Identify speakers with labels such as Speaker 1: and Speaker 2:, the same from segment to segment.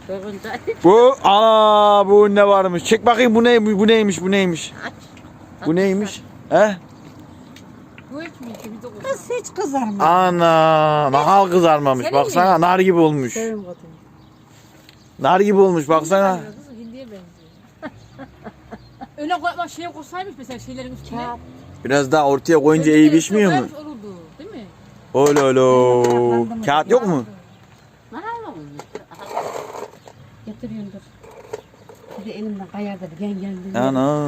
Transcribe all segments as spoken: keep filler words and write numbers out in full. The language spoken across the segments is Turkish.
Speaker 1: Sorunca.
Speaker 2: Bu ana bu ne varmış? Çek bakayım bu ne bu neymiş bu neymiş?
Speaker 1: Aç.
Speaker 2: Bu neymiş? He?
Speaker 1: Bu hiç mi? Bir de
Speaker 3: Kız hiç kızarmaz.
Speaker 2: Ana nahal kızarmamış.
Speaker 1: Senin
Speaker 2: Baksana
Speaker 1: mi?
Speaker 2: nar gibi olmuş.
Speaker 1: Sevim katını.
Speaker 2: Nar gibi olmuş baksana.
Speaker 1: Kızım hindiye benziyor. Öyle koyma şeye koysaymış mesela şeylerin üstüne.
Speaker 3: Kağıt.
Speaker 2: Biraz daha ortaya koyunca iyi pişmiyor mu?
Speaker 1: Koymuş olurdu, değil mi?
Speaker 2: Öyle öyle. Kağıt yok mu?
Speaker 1: Nahal olmuş.
Speaker 3: Getiriyorum dur. Bir de elimden kayardı bir gen geldi.
Speaker 2: Ana.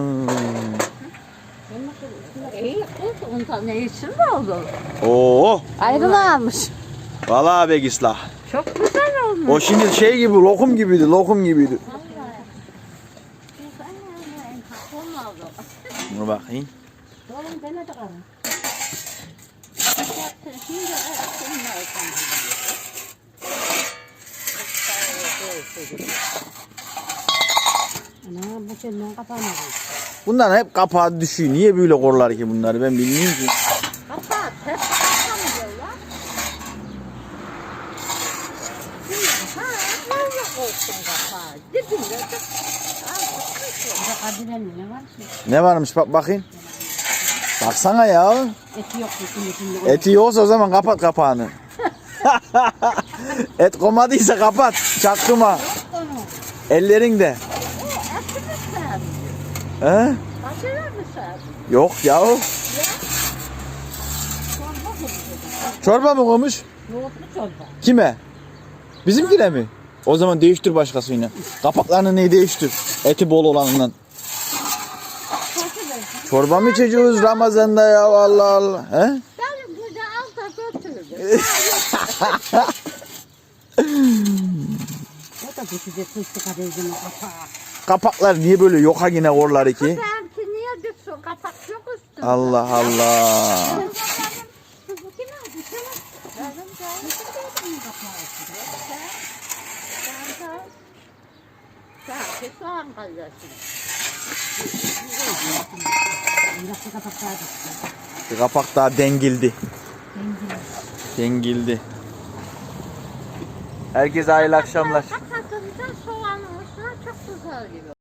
Speaker 1: İyi kız, ondan ne için mi oldu?
Speaker 2: Oo.
Speaker 1: Ayrılanmış.
Speaker 2: Vallahi be gislah.
Speaker 1: Çok güzel olmuş.
Speaker 2: O şimdi şey gibi lokum gibiydi, lokum gibiydi. Dur bakayım.
Speaker 3: Oğlum ben de karım. Ana bu senden kapamadı.
Speaker 2: Bunlar hep kapağı düşüyor. Niye böyle korlar ki bunları ben bilmiyorum ki.
Speaker 1: Kapat, hep kapatamıyorlar. Ha, nerede koysun kapağı? Dibinde de.
Speaker 3: Burada kardelen ne var ki?
Speaker 2: Ne varmış bak bakayım. Baksana ya.
Speaker 3: Eti yok bütün içinde.
Speaker 2: Eti yoksa o zaman kapat kapağını. Et komadıysa kapat. Çaktırma. Ellerin de.
Speaker 1: O eti mi sevmiyor?
Speaker 2: He?
Speaker 1: Başına mı sevmiyor?
Speaker 2: Yok ya. Çorba mı koymuş?
Speaker 3: Yoğurtlu çorba.
Speaker 2: Kime? Bizimkine mi? O zaman değiştir başkasıyla. Kapaklarını neyi değiştir? Eti bol olanından. Çorba mı içeceğiz Ramazan'da ya Allah Allah. He?
Speaker 1: Benim burada al da götürdüm.
Speaker 3: O da düşecek fıstık kadehine kapağı.
Speaker 2: Kapaklar niye böyle yoka yine korlar ki?
Speaker 1: Benimki niye düşsün? Kapak yok üstünde.
Speaker 2: Allah Allah.
Speaker 1: Benim bu kim aldı? Benim de. Benim de. Sanki soğan kalyası.
Speaker 3: Biraz da kapak daha düştü.
Speaker 2: Bir kapak daha dengildi. Dengildi. Herkese hayırlı akşamlar.
Speaker 1: Kapatınca soğanın üstüne çok güzel gibi.